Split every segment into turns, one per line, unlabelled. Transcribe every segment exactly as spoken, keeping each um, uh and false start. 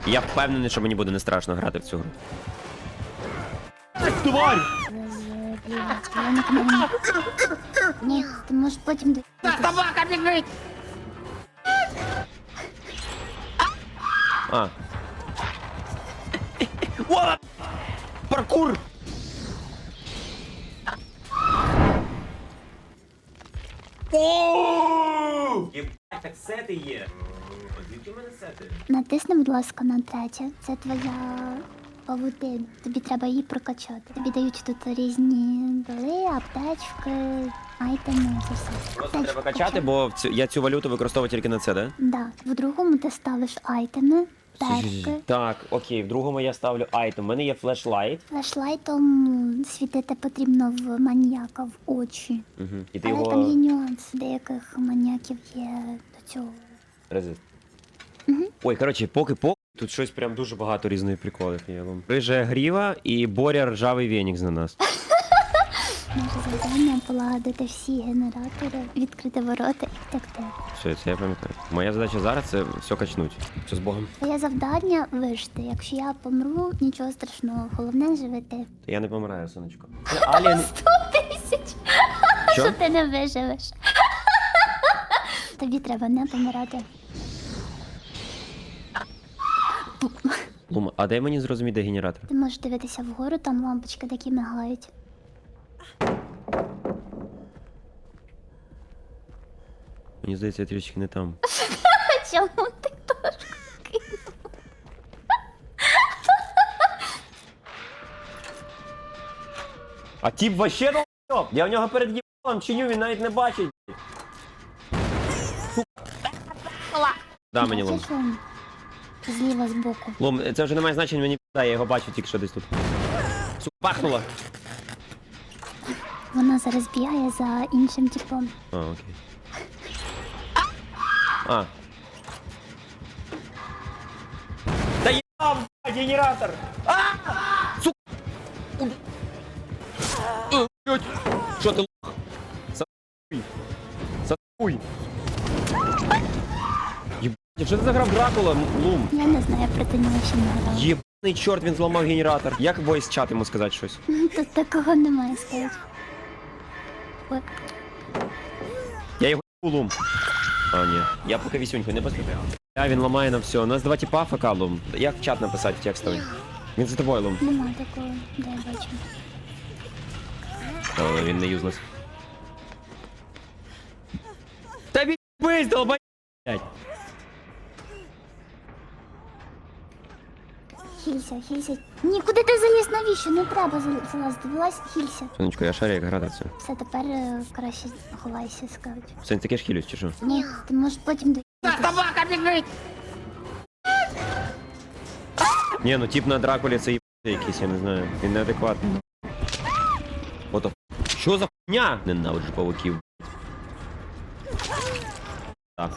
Я впевнений, що мені буде не страшно грати в цю гру. Тварь!
Ні, ти можеш потім...
Собака біжить!
А. О! Паркур! О! Єбать, так сети є. Звідки в мене сети?
Натисни, будь ласка, на третє. Це твоя павутина. Тобі треба її прокачати. Тобі дають тут різні доли, аптечки, айтеми, це все.
Просто
Аптечку
треба качати,
качай.
бо в цю- я цю валюту використовую тільки на це, да?
Да. В другому ти ставиш айтеми, перки.
Так, окей, в другому я ставлю айтем. У мене є флешлайт.
Флешлайтом світити потрібно в маніяка в очі.
Угу. І ти
Але
його
там є нюанс. Деяких маніяків є до цього.
резист. Ой, коротше, поки-поки, тут щось прям дуже багато різних приколів є. Рижа гріва і Боря ржавий венік на нас.
Наше завдання полагодити всі генератори, відкрити ворота і втекти.
Все, це я пам'ятаю. Моя задача зараз це все качнуть. Все з Богом.
Твоє завдання вижити. Якщо я помру, нічого страшного. Головне живи ти.
Я не помираю, сонечко. Це Алien...
Сто тисяч!
Що?
Що ти не виживеш? Тобі треба не помирати.
Лума, а дай мені зрозуміти, де генератор?
Ти можеш дивитися вгору, там лампочки такі мигають.
Мені здається, я трішки не там.
Чому ти теж кинув?
А тіп вообще долб! Я в нього перед їбалом чиню, він навіть не бачить. Да, мені лум.
Бачиш, он? Зліва збоку.
Лум, це вже не має значення, мені да, я його бачу тільки що десь тут. Сука, пахнуло.
Вона зараз бігає за іншим типом.
А, окей. А. Да ебав, генератор! А! Сука! Е, блядь. Що ти лох? Сатуй. Сатуй. Єбать, що ти заграв Дракула, Лум?
Я не знаю, я проти нього ще не грала.
Єбаний чорт, він зламав генератор. Як войс чат йому сказати щось?
Тут такого немає, сказати. Ой,
Я його Лум. А, ні. Я поки вісюньку не поспішаю. А, він ламає на все. У нас два типа АФК, Лум. Як в чат написати текстовий? Він за тобою, Лум.
нема такого, де я бачу.
Але він не юзлес. Та відбись, долбай!
Хілься, хілься. Ні, куди ти заліз? Навіщо? Не треба зал- залазити. Вилазь, хілься.
Сонечко, я шарю, як грати це.
Все, тепер е, краще ховайся, скажуть.
Сень, таке ж хілюсь, чи що?
Ні, ти можеш потім до...
Собака біжить!
Ні, ну тип на Дракулі це їбаний якийсь, я не знаю. Він неадекватний. Ото. Що за хуйня? Ненавиджу павуків. Так.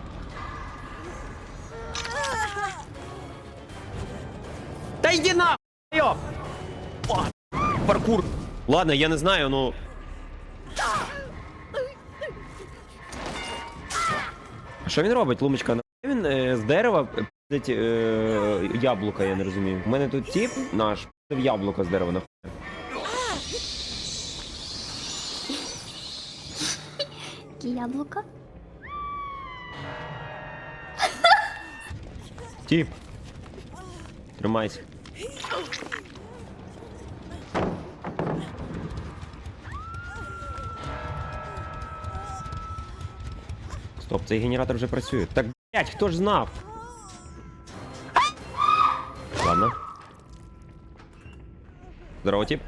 Та йди на! Йоп! О, паркур! Ладно, я не знаю, ну... А що він робить, Лумочка? На він е, з дерева пиздить е, яблука, я не розумію. У мене тут тип наш пиздив яблука з дерева нахуй.
Які яблука?
Тип. Тримайся. Стоп, цей генератор вже працює. Так, блять, хто ж знав? Ладно. Здорово, тип.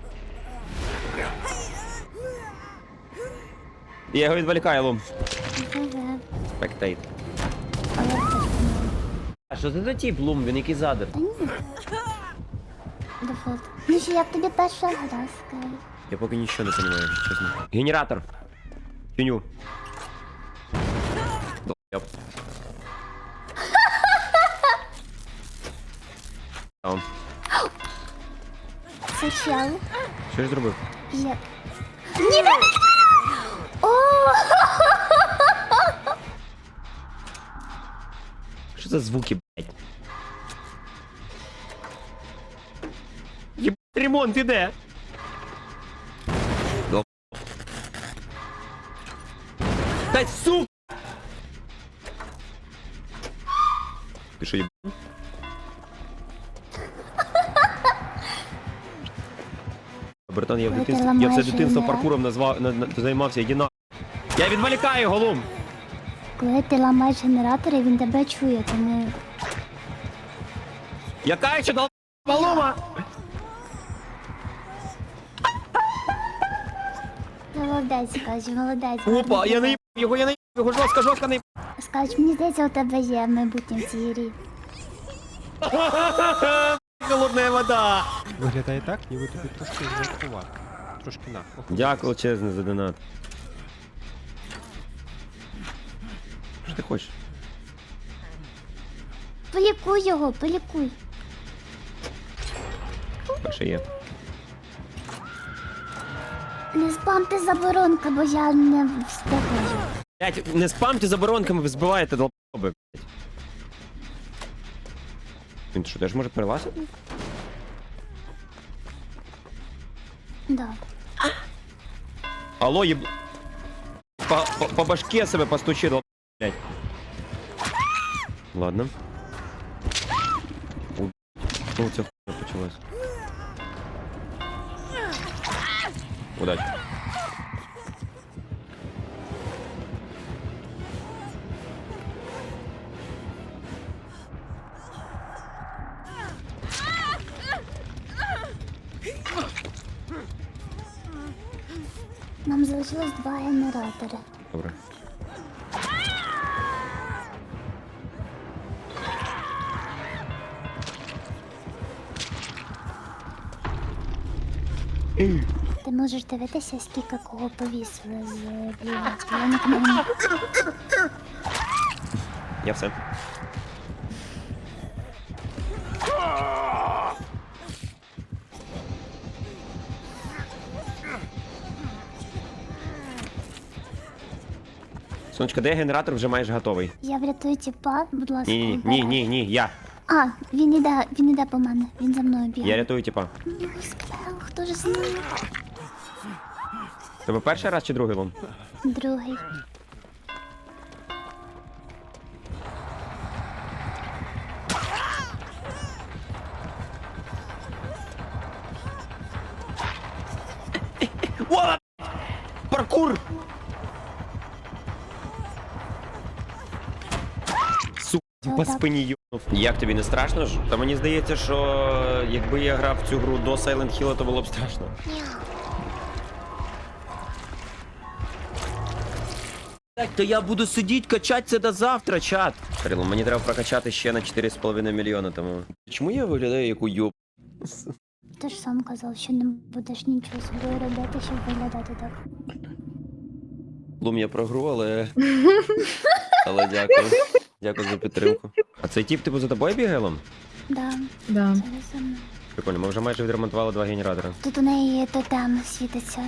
Я його відволікаю, Лум.
Ага.
Спектейт.
Але все ж помилка.
А що це за тип, Лум? Він який задер?
Та ні. Дефолт. Ну що, як тобі перша гра, скажи?
Я поки нічого не розумію, чесно. Генератор. Тюню. Долбоёб. Там.
Це чел.
Що я зробив?
Є. Ні, не О!
Що за звуки, блядь? Ремонт іде. Дол- Та сука! Ти що, їб... Братан, я в
Коли ти
дитинстві, я все
ламаєш
дитинство
генератор?
паркуром назвав, на, на, займався, іди на... Я відволікаю, голум!
Коли ти ламаєш генератори, він тебе чує, тому...
Яка ще дал... Голума!
Молодець, кажу, молодець.
Опа,
гарний
я не
тебе.
його, я не його, жорстко, жорстко не
Скажуть, мені здається, у тебе є майбутнє в цій грі.
Холодна вода!
Виглядає так, ніби тобі трошки жартувати. Трошки на. Ох,
Дякую величезне за донат. Що ти хочеш?
Полікуй його, полікуй.
Перше є.
Не спамте заборонки, бо я не встигаю.
Блять, не спамте заборонками, ви збиваєте долбоби, блять. Він що, теж може перелазити?
Да.
Алло, єб... По, по, по башке себе постучи, долб... блять. Ладно. У... Ну, це хуйня почалась. Удачи.
Нам залишилось два генератори.
Добре.
Ти можеш дивитися, скільки кого повісили з бліночки. Я нікому не...
Я все. Сонечка, де генератор вже майже готовий?
Я врятую тіпа, будь ласка.
Ні, ні, ні,
обережно.
ні, ні, я.
А, він іде, він іде по мене. Він за мною бігає.
Я рятую типа.
Ой, спел, хто ж знає?
Тебе перший раз чи другий лом?
Другий.
О! Паркур! Сука,
Чого
по
так?
спині юнув. Як тобі не страшно ж? Та мені здається, що якби я грав в цю гру до Silent Hill, то було б страшно. Так, то я буду сидіти, качати це до завтра, чат. Кирило, мені треба прокачати ще на чотири з половиною мільйона, тому. Чому я виглядаю як уйоб?
Ти ж сам казав, що не будеш нічого собою робити, щоб виглядати так.
Лум, я про гру, але. Але дякую. Дякую за підтримку. А цей тип типу за тобою бігає, Лум?
Да,
Да.
це за мною.
Прикольно, ми вже майже відремонтували два генератори.
Тут у неї тотем світиться.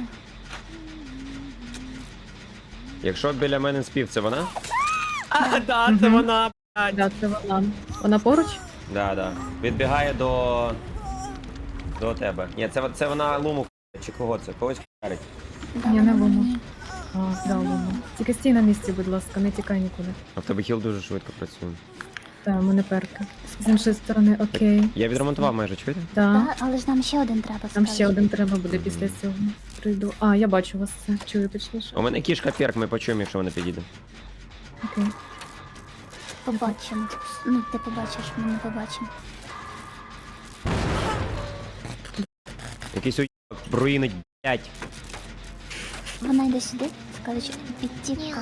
Якщо біля мене спів, це вона? А, да, це вона, блядь.
Да, це вона. Вона поруч?
Да, да. Відбігає до. До тебе. Ні, це, це вона Луму х**є, чи кого це? Когось харить.
Да,
Ні, не
вона
Лума.
мені.
А, да, Луна. Тільки стій на місці, будь ласка, не тікай нікуди.
А в тебе хіл дуже швидко працює.
Та, у мене перки. З іншої сторони, окей.
Я відремонтував майже, чуєте?
Да.
Да, але ж нам ще один треба.
Там
скажеш.
ще один треба буде після цього. Прийду. А, я бачу вас це. Чую точніше.
У мене кішка перк, ми почуємо, якщо вона підійде.
Окей.
Побачимо. Ну, ти побачиш, ми не побачимо.
Якийсь уйоб руїнить, блядь.
Вона йде сюди, скажеш, підтікка.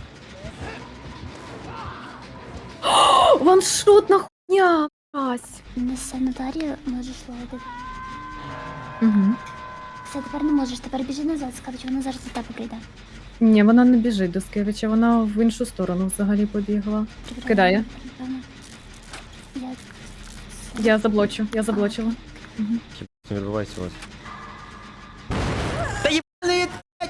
Ваншотна хуйня! Ась.
Несе Наталію, можеш ловити.
Угу.
Все, тепер не можеш, тепер біжи назад, скажеш, вона зараз до тебе прийде.
Ні, вона не біжить до Скевича, вона в іншу сторону взагалі побігла.
Прибрала,
Кидає.
прибрала. Я...
Я заблочу, я заблочила. Угу.
Що відбувається у вас? Та єбаний, блядь!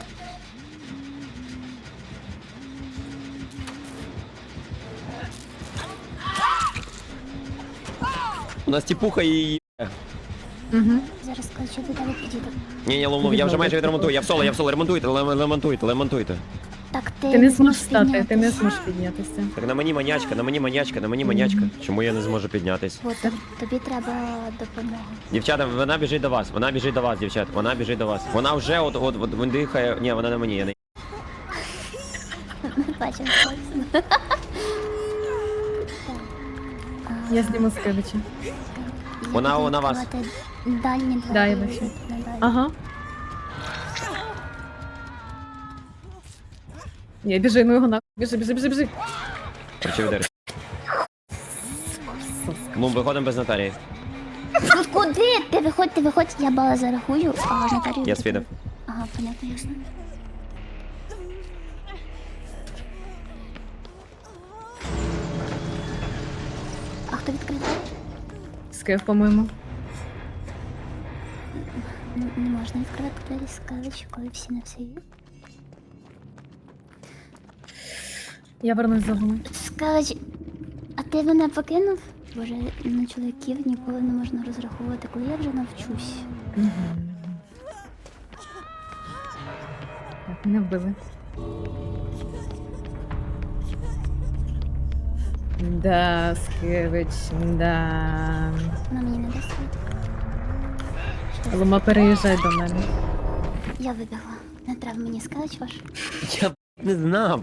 У нас тіпуха і...
Угу.
Зараз кличу до тебе підійду.
Ні, ні, ломнув, я вже майже відремонтую. Я в соло, я в соло, ремонтуйте, лем- ремонтуйте, ремонтуйте.
Так, ти,
Ти не зможеш встати, ти
піднятися.
не зможеш піднятися.
Так на мені манячка, на мені манячка, на мені манячка. Чому я не зможу піднятись?
От, тобі треба допомога.
Дівчата, вона біжить до вас, вона біжить до вас, дівчат, вона біжить до вас. Вона вже от, от, от, він дихає. Ні, вона на мені, я не.
Бачимо.
Я зніму Скевича.
Вона- вона вас.
Дальні двері.
Да, я бачу.
на дальні.
Ага. Я біжи, ну його на. Біжи, біжи, біжи, біжи.
Причив дер. Ну, виходимо без Наталії.
Ну куди? Ти виходь, ти виходь, я бала зарахую, а Наталію...
Я свідав.
Ага, понятно, ясно. А хто відкриває?
Скев, по-моєму.
Не, не можна відкривати двері з кавичі, коли всі на все є.
Я вернусь за вами.
Скавич, а ти мене покинув? Боже, на чоловіків ніколи не можна розраховувати, коли я вже навчусь.
Так, мене вбили. Да, Скевич, да.
Вона мені не дасть вийти.
Лома, переїжджай до мене.
Я вибігла. Не треба мені скавич ваш.
Я б не знав.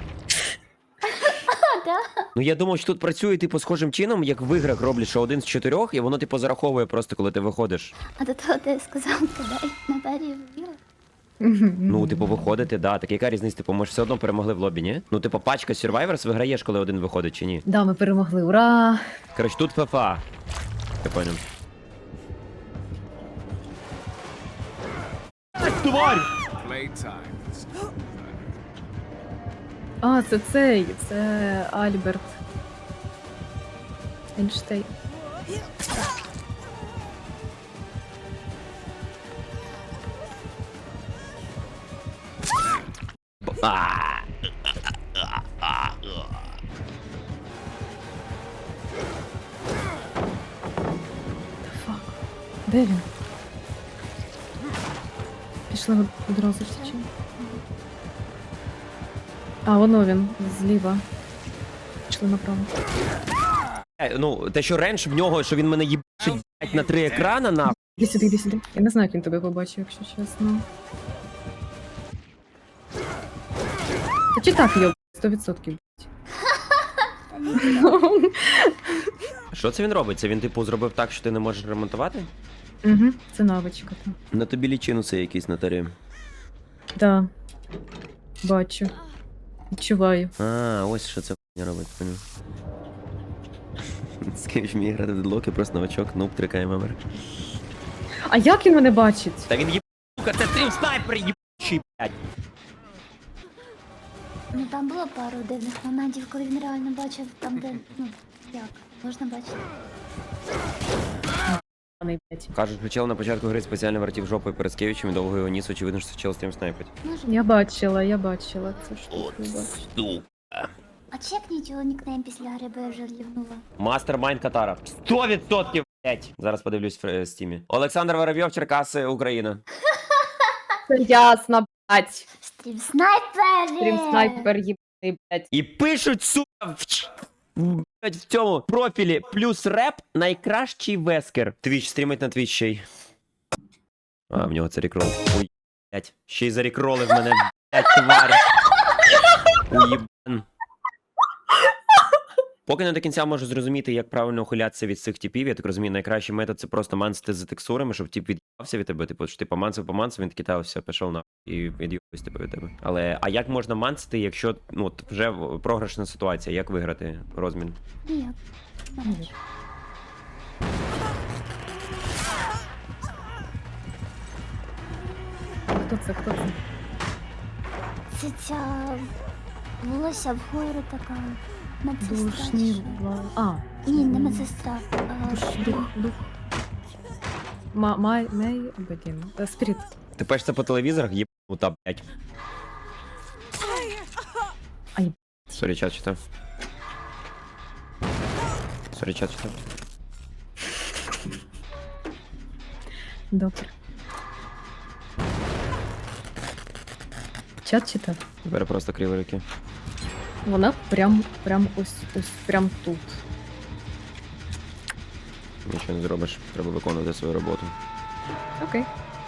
А, да?
Ну я думав, що тут працює типу схожим чином, як в іграх роблять, що один з чотирьох, і воно типу зараховує просто, коли ти виходиш.
А до того ти сказав, кидай на двері вбігла.
Ну, типу, виходити, да. Так яка різниця? Типу, ми ж все одно перемогли в лобі, ні? Ну, типу, пачка Survivors виграєш, коли один виходить, чи ні?
Да, ми перемогли, ура!
Коротше, тут ФФА. Я понял. Тварь!
А, це цей, це Альберт. Ейнштейн.
А!
Фак. Де він? Пішли одразу ж чи? А, воно він, зліва. Пішли направо.
Е, Ну, те, що ренж в нього, що він мене їбачить блядь, на три екрана, на.
Іди сюди, іди сюди. Я не знаю, як він тебе побачив, якщо чесно. Та чи так йоб, сто відсотків.
Що це він робить? Це він, типу, зробив так, що ти не можеш ремонтувати?
Угу, це навичка. Та.
На тобі лічинуси якісь на тарі.
Да. Бачу. Відчуваю.
А, ось що це хуйня робить, поняв. Скажіть, вміє грати в дедлоки, просто новачок, нуб, трикає мемер.
А як він мене бачить?
Та він їб... Сука, це стрім снайпер, їбучий, блядь.
Ну там було пару дивних моментів, коли він реально бачив там, де, ну, як, можна бачити.
Паний, блядь.
Кажуть, що чел на початку гри спеціально вертів жопою перед Скевичем і довго його ніс, очевидно, що чел стрім снайпить.
Може.
Я бачила, я бачила цю штуку. я бачила.
А чекніть його нікнейм після гри, бо я вже лівнула.
Мастермайнд Катара. сто відсотків, блядь. Зараз подивлюсь в е, стімі. Олександр Воробйов, Черкаси, Україна.
Це ясно, блядь.
Стрім снайпери!
Стрім снайпер їбаний, блядь.
І пишуть, сука, в, ч- в, блядь, в цьому профілі плюс реп найкращий вескер. Твіч стрімить на твіч ще й. А, в нього це рекрол. Ой, блядь. Ще й зарекролив мене, блядь, тварь. Уєбан. Поки не до кінця можу зрозуміти, як правильно ухилятися від цих типів. Я так розумію, найкращий метод це просто мансити за текстурами, щоб тип від'їбався від тебе. Типу, що ти помансив, помансив, він такий, та все, пішов на і від'їбався типу, від тебе. Але а як можна мансити, якщо ну от вже програшна ситуація? Як виграти розмін?
Ніяк. Навіть.
Хто це, хто це?
Це ця волосся вгору така медсестра. чи
Душні,
що?
вла- А.
Ні, не медсестра. а,
Душ, дух, дух. Ма, май, мей, блін. Е, Спіріт.
Ти пишеш це по телевізорах, їбанута, блядь.
Ай.
Сорі, чат читав. Сорі, чат читав.
Добре. Чат читав.
Тепер просто криворуки.
Вона прям, прям ось, ось, прям тут.
Нічого не зробиш, треба виконувати свою роботу.
Окей.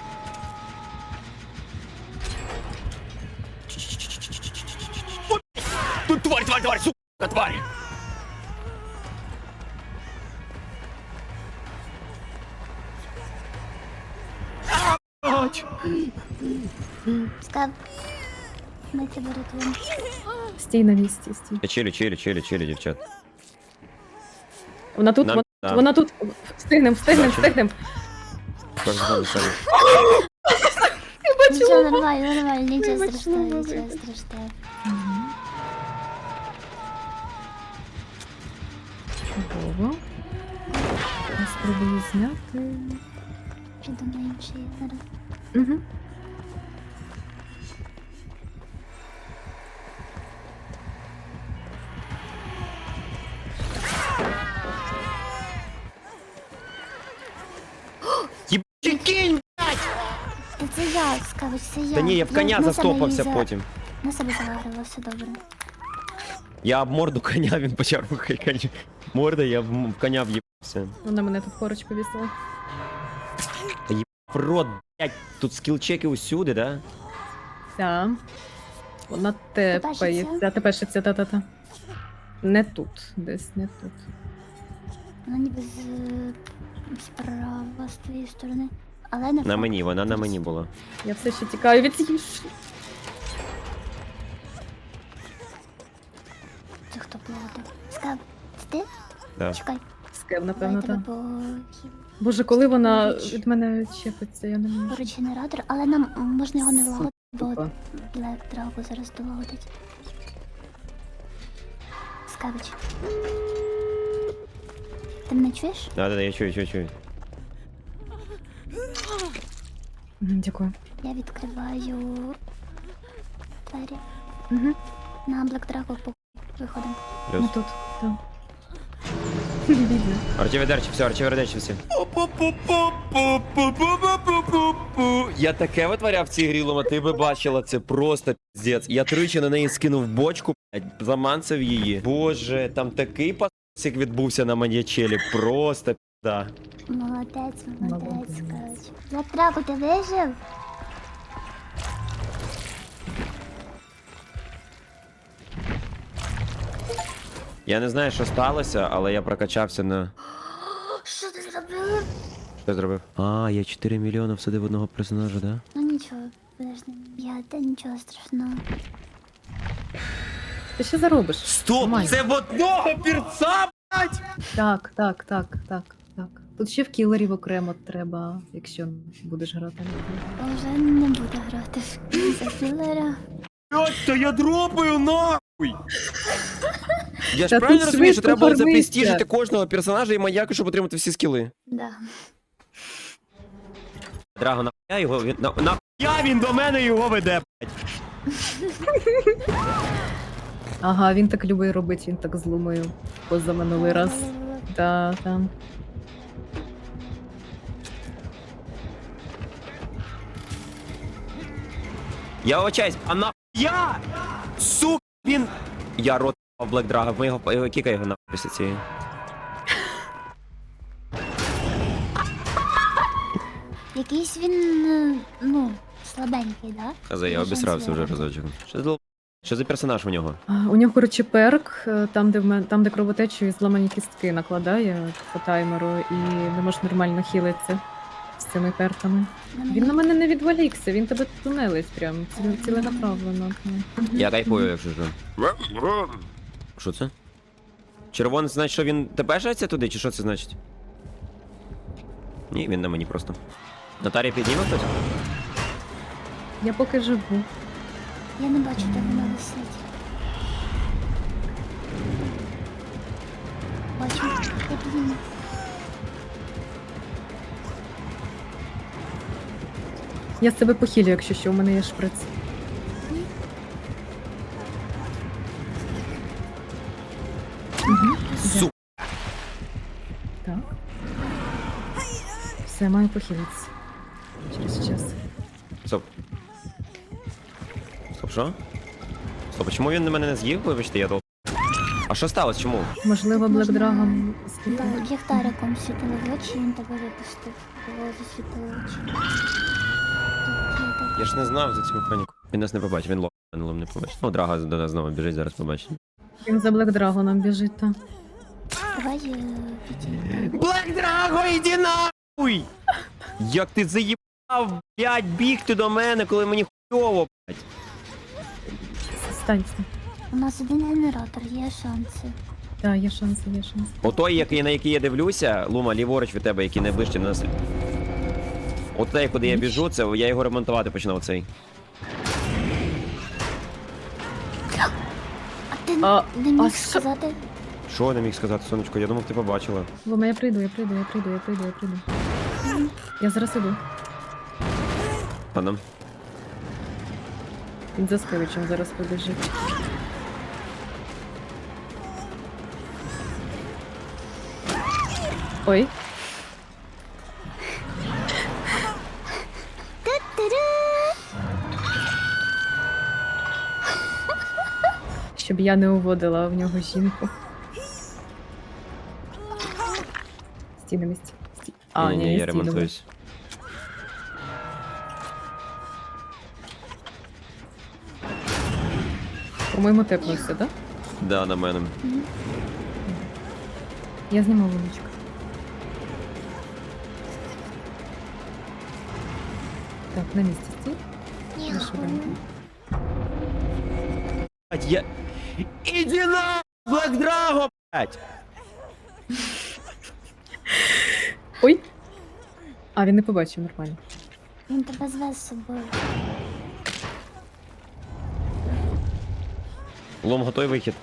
Тут тварь, тварь, тварь, сука, тварь!
Скав. Ми тебе рятуємо.
Стій на місці, стій.
Я чилю, чилю, чилю, чилю, дівчат.
Вона тут,
Нам-
вона,
да.
вона тут. Встигнем, встигнем,
Бачу.
встигнем.
Кожен сам себе.
Нічого, нормально, нормально, нічого
Вибач,
страшного,
ну,
нічого
вибач.
страшного.
Чудово. Я спробую зняти.
Придумай інший зараз.
Угу.
Єбучий кінь!
Та це я, Скавич, це я.
Та ні, я в коня
на себе
застопався
її за-
потім.
На себе заграла, все добре.
Я об морду коня, він почав рухати коня. Морда, я в, м- в коня в'їбався.
Вона мене тут поруч повісила.
В рот, блядь, тут скіл-чеки усюди, да?
Так. Вона тепається.
Тепешиться?
Тепешиться, та-та-та. Не тут, десь не тут.
Вона ніби з... справа, з твоєї сторони. Але не
На мені, вона на мені була.
Я все ще тікаю від цієї ш...
Це хто платив? Скав, це ти?
Да.
Чекай,
Скев,
давай
напевно,
тебе
так.
по...
Боже, коли вона
Поруч.
від мене чепиться, я не можу.
поруч генератор, але нам можна його не лагодити, бо
Сука.
Black Drago зараз долагодить. Скавич. Ти мене чуєш?
Да, да, да, я чую, чую, чую.
Мгм, Дякую.
Я відкриваю двері.
Угу.
На Black Drago по виходимо.
Плюс.
Ну тут, так. Бідна.
Арчеведерчі, все, арчеведерчі всі. Я таке витворяв в цій грі, Лома, ти би бачила, це просто піздець. Я тричі на неї скинув бочку, блядь, заманцев її. Боже, там такий пасик відбувся на маньячелі, просто пізда.
Молодець, молодець,
Молодець.
Скавич. Black Drago, ти вижив?
Я не знаю, що сталося, але я прокачався на...
Що ти зробив?
Що зробив? А, я чотири мільйони всадив одного персонажа, да?
Ну нічого, подожди. Я, та нічого страшного.
Ти що заробиш?
Стоп!
Нормально.
Це в одного пірца, блядь!
Так, так, так, так, так. Тут ще в кілерів окремо треба, якщо будеш грати.
Я вже не буду грати за кілера.
Блядь, та я дропаю нахуй! Я ж
Та
правильно
тут
розумію, що
швидко
треба було
фармиться.
запрестіжити кожного персонажа і маньяка, щоб отримати всі скіли.
Да.
Драго, нахуя його, він, на, нахуя він до мене його веде, блядь?
Ага, він так любить робити, він так зломив позаминулий раз. Та, там.
Я вибачаюсь, а нахуя? Сука, він... Я рот в Блек Драга, ми його, його кікай його нахуй після цієї.
Якийсь він, е, ну, слабенький, да?
Хазе, я
Дуже
обісрався вже
злий.
разочок. Що за дол- Що за персонаж у нього?
А, У нього, коротше, перк, е, там, де в мен... там, де кровотечу і зламані кістки накладає по таймеру, і не можеш нормально хілитися з цими перками. Він на мене не відволікся, він тебе тунелить прям ці- ціленаправлено.
Я кайфую, якщо що. Що це? Червоний значить, що він тебе жається туди, чи що це значить? Ні, він на мені просто. Натарія підніме хтось?
Я поки живу.
Я не бачу, де вона висить. Бачу, я підійму.
Я з себе похилю, якщо що, у мене є шприц. Угу.
Су.
Так. Все, маю похилитися. через час.
Стоп. Стоп, що? Стоп, а чому він на мене не з'їв? Вибачте, я дол... А що сталося? Чому?
Можливо, Black
Можна-
Dragon
Да,
сліпий.
ліхтариком світили в очі, він тебе випустив. Його засвітили очі. Тут є
Я ж не знав за цю механіку. Він нас не побачив, він лом не побачив. Ну, Драга до нас знову біжить, зараз побачить.
Він за Black Dragon біжить, та.
так. Давай е, відійдемо.
Блек Драго, іди нахуй! Як ти заїбав, блядь, бігти до мене, коли мені хуйово, блядь.
Стань, стань.
У нас один генератор, є шанси.
Так, є шанси, є шанси.
Отой, який, на який я дивлюся, Лума, ліворуч від тебе, який найближче до нас. Отой, куди я біжу, це я його ремонтувати починав цей.
А ти
А,
не міг
а що?
сказати?
Що я не міг сказати, сонечко? Я думав, ти побачила.
Лома, я прийду, я прийду, я прийду, я прийду, я прийду. Я зараз іду.
Ладно.
Він за Скевичем зараз побіжить. Ой, щоб я не уводила в нього жінку. Стій на місці. Стій. А,
ні,
ні,
ні,
не
я
стій, добре.
ремонтуюсь.
По-моєму, тепнувся, так?
Да, на мене.
Я зніму вуличку. Так, на місці стій.
Ні,
Ну, швиденько.
Блядь, я... Іди на Блек Драго, блядь!
Ой! А, він не побачив нормально.
він тебе зве з собою.
Лом, готовий вихід.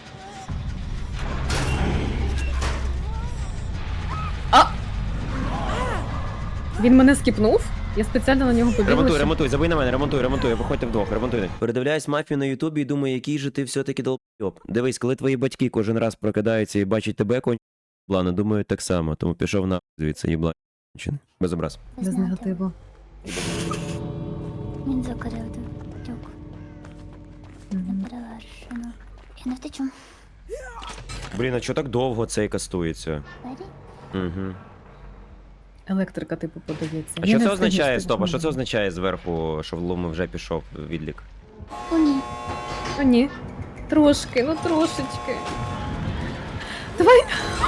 Він мене скіпнув, я спеціально на нього побігла.
Ремонтуй,
щоб-
ремонтуй, забий на мене, ремонтуй, ремонтуй, виходьте вдвох, ремонтуйте. Передивляюсь мафію на Ютубі і думаю, який же ти все-таки долбойоб. Дивись, коли твої батьки кожен раз прокидаються і бачать тебе конь, плани думають так само, тому пішов на звідси, їбла. Без образ.
Без
Знаєте,
негативу.
Він закрив тюк.
Мгм.
Неперевершено. Я не втечу.
Блін, а чого так довго цей кастується?
Двері?
Угу.
Електрика, типу, подається.
А
Я
що
не
це
встигну
означає,
встигну.
стоп, а що це означає зверху, що в Луми вже пішов відлік?
О, ні.
О, ні. Трошки, ну трошечки. Давай.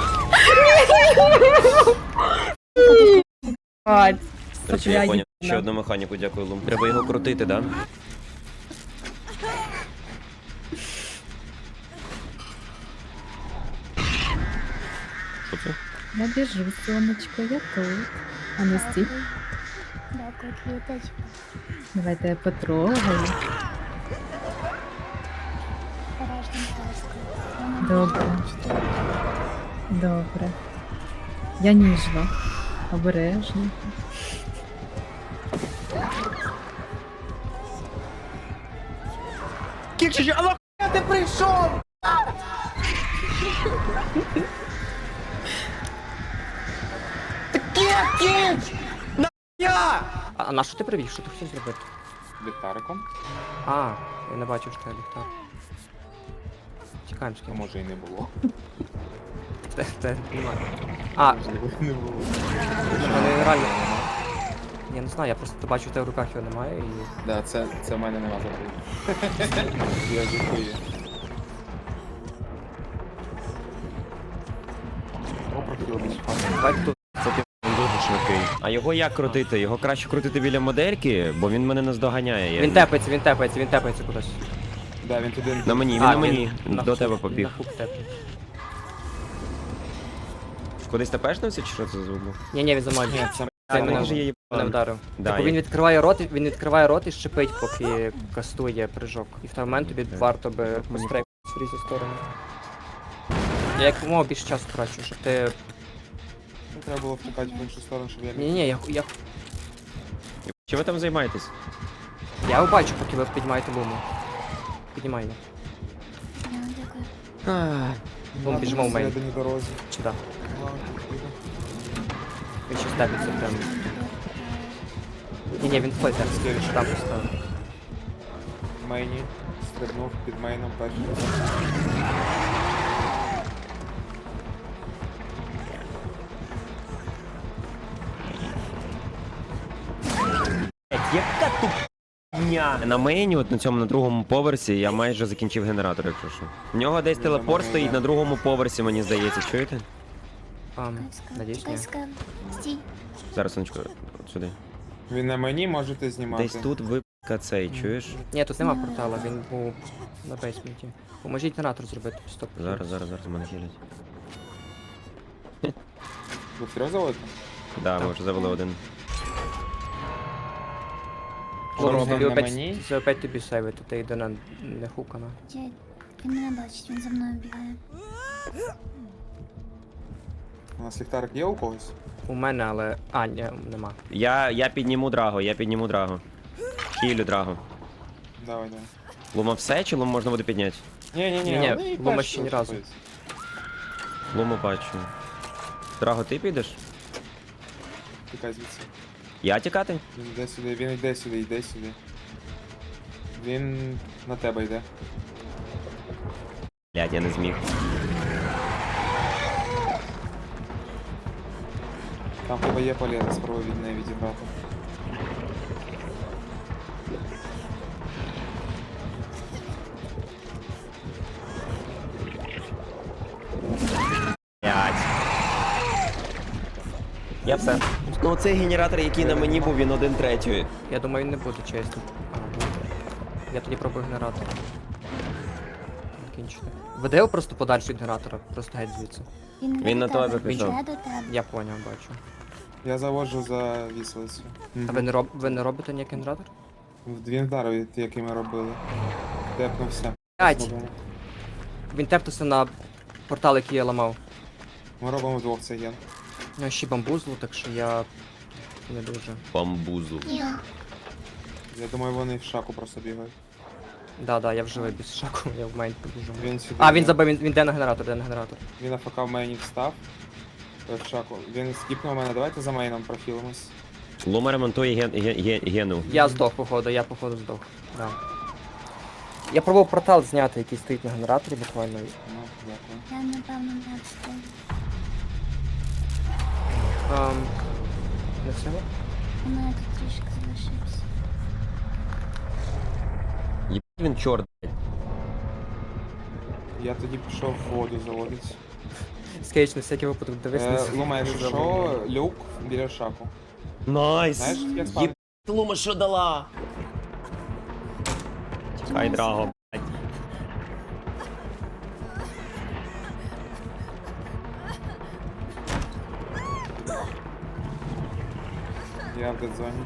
Бать.
До речі, я поняв. Ще одну механіку, дякую, Лум. Треба його крутити, да? Що це?
Я біжу, сонечко, я тут. А ну стій.
Дякую. Дякую, квіточка.
Давайте я потрогаю.
Порожнім таскою. Я не
Добре.
можу чотири.
Добре. Я ніжна. Обережно.
Кікшич, а нахуя ти прийшов? Кікшич! Нахуя? А на що ти привів? Що ти хотів зробити?
Ліхтариком?
А, я не бачив, що я ліхтар. Чекаємо з
А
ким.
може і не було.
Те, те, немає. А,
Можливо, не було.
в мене реально. Я не знаю, я просто бачу, в тебе в руках його немає і.
Да, це, це в мене нема завжди. Я жартую. О, прохилились.
Давайте тут.
Це ти дуже швидкий. А його як крутити? Його краще крутити біля модельки, бо він мене наздоганяє. Я-
Він тепається, він тепається, він тепається кудись.
Да, він туди.
На мені, він
А,
на мені.
на
До
хук-
тебе побіг.
На хук тепається.
Кудись тепешнився, чи що це за звук? був?
Ні, ні, він за мною.
Ні, це
Це
А,
мене
може, я їбан.
мене вдарив.
Да,
Типу
я-
він відкриває рот, і- він відкриває рот і шипить, поки кастує прыжок. І в той момент тобі варто би пострейкати в різні сторони. Я як мов більше часу трачу, щоб ти.
Ну, треба було втикати в іншу сторону, щоб я
Ні, ні, я, я,
Чи ви там займаєтесь?
я його бачу, поки ви піднімаєте луму. Піднімай його.
Я дякую.
Лум, біжимо в мейн.
Всередині дорозі.
Сюди.
Ладно, піду.
Він ще степиться прям. Ні, ні, він флейтер. Там поставив.
Мейні. Стрибнув під мейном перший.
Яка тупня! На мейні, от на цьому на другому поверсі, я майже закінчив генератор, якщо що. В нього десь
Він
телепорт
за
стоїть
мною
на другому поверсі, мені здається, чуєте?
Ам,
Каска,
надіюсь, ні.
каска. Стій.
Зараз, сонечко, от сюди.
Він на мені, можете знімати.
Десь тут випка цей, чуєш?
Ні, тут нема портала, він був на бейсменті. Поможіть генератор зробити, стоп.
Зараз, зараз, зараз мене хилять.
Ви трьох заводите?
Да, ми вже завели один.
Хлопці,
робимо
ти
на
опять,
мені?
це опять тобі сейвити, ти йде на не хукана.
Я... Він мене бачить, він за мною бігає.
У нас ліхтарик є у когось?
У мене, але. А, ні, нема.
Я, я підніму драго, я підніму драго. Хілю драго.
Давай, давай.
Лума все, чи лум можна буде підняти?
Ні-ні-ні,
Ні-ні,
вони і
Лума
перші
ще ні разу.
заходять.
Луму бачу. Драго, ти підеш?
Тікай звідси.
Я тікати?
Він йде сюди, він йде сюди, йде сюди. Він на тебе йде.
Блядь, я не зміг.
Там тебе є поліна, спробуй від неї відібрати.
Блядь. Я все. Ну цей генератор, який на мені був, він один третьої.
Я думаю, він не буде чесно. А, буде. Я тоді пробую генератор. Закінчити. Веде його просто подальше від генератора, просто геть звідси.
Він, не
Він
до
на тебе
тебе,
пішов.
Він йде до тебе.
Я поняв, бачу.
Я заводжу за віселицю.
А ви не, роб... ви не робите ніякий генератор?
Він вдарив, який ми робили. Тепнувся.
П'ять!
Зробимо.
Він тепнувся на портал, який я ламав.
Ми робимо вдвох цей ген.
У нього ще бамбузло, так що я не дуже.
Бамбузу.
Я.
Я думаю, вони в шаку просто бігають.
Да, да, я вже без шаку, я в мейн побіжу.
Він сюди.
А, він
йде.
забив, він, він йде на генератор, йде на генератор.
Він АФК в мейні встав. Е, В шаку. Він скіпнув мене, давайте за мейном профілимось.
Лума ремонтує ген, ген, ген, гену.
Я здох, походу, я походу здох. Да. Я пробував портал зняти, який стоїть на генераторі буквально.
Ну, дякую.
Я напевно не встиг.
Ем, не все?
У мене тут трішки залишився.
Єбать він чорт, блядь.
Я тоді пішов в воду заводити.
Скейч, на всякий випадок дивись.
Е,
не
Лума, якщо
забудь.
що, люк біля шаку.
Найс!
Знаєш, як спав?
Єбать, Лума що дала? Тікай, драго, блядь.
Я в дедзоні.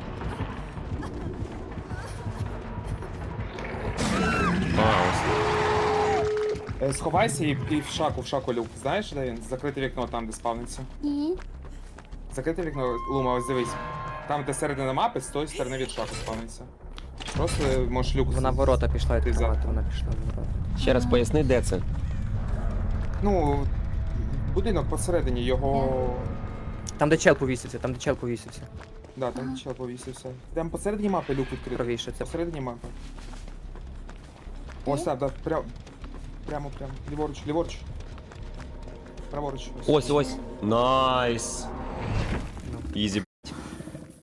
А, ось.
Е, Сховайся і, і в шаку, в шаку люк. Знаєш, де він? Закрите вікно там, де спавниться.
Ні.
Закрите вікно, Лума, ось дивись. Там, де середина мапи, з тої сторони від шаку спавниться. Просто можеш люк.
Вона в ворота пішла
Ти
відкривати,
за.
вона пішла в ворота.
Ще раз поясни, де це?
Ну, будинок посередині, його.
Там, де чел повісився, там, де чел повісився.
Да, там чел повісився. Там посередині мапи люк відкритий.
Правіше, це
Посередині мапи. Ось так, да, прямо. Прямо, прямо. Ліворуч, ліворуч. Праворуч.
Ось, ось. Найс. Ізі,